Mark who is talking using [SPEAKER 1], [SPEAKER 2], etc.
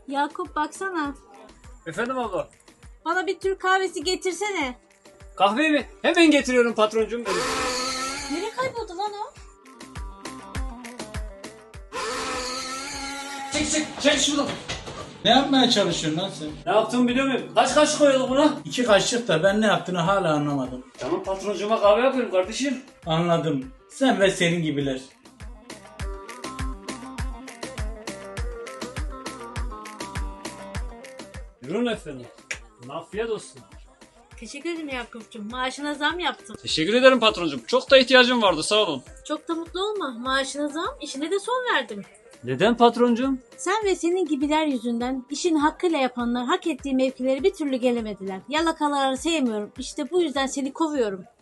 [SPEAKER 1] Yakup baksana.
[SPEAKER 2] Efendim abla.
[SPEAKER 1] Bana bir Türk kahvesi getirsene.
[SPEAKER 2] Kahve mi? Hemen getiriyorum patroncum benim.
[SPEAKER 1] Nereye kayboldu lan o?
[SPEAKER 2] Çek şuradan.
[SPEAKER 3] Ne yapmaya çalışıyorsun lan sen?
[SPEAKER 2] Ne yaptığımı biliyor muyum? Kaç kaşık koyduk buna?
[SPEAKER 3] 2 kaşık da ben ne yaptığını hala anlamadım.
[SPEAKER 2] Tamam patroncuma kahve yapıyorum kardeşim.
[SPEAKER 3] Anladım. Sen ve senin gibiler.
[SPEAKER 2] Buyurun efendim. Afiyet olsun.
[SPEAKER 1] Teşekkür ederim Yakup'cum. Maaşına zam yaptım.
[SPEAKER 2] Teşekkür ederim patroncum. Çok da ihtiyacım vardı sağ olun.
[SPEAKER 1] Çok da mutlu olma. Maaşına zam, işine de son verdim.
[SPEAKER 2] Neden patroncum?
[SPEAKER 1] Sen ve senin gibiler yüzünden işini hakkıyla yapanlar hak ettiği mevkilere bir türlü gelemediler. Yalakaları sevmiyorum. İşte bu yüzden seni kovuyorum.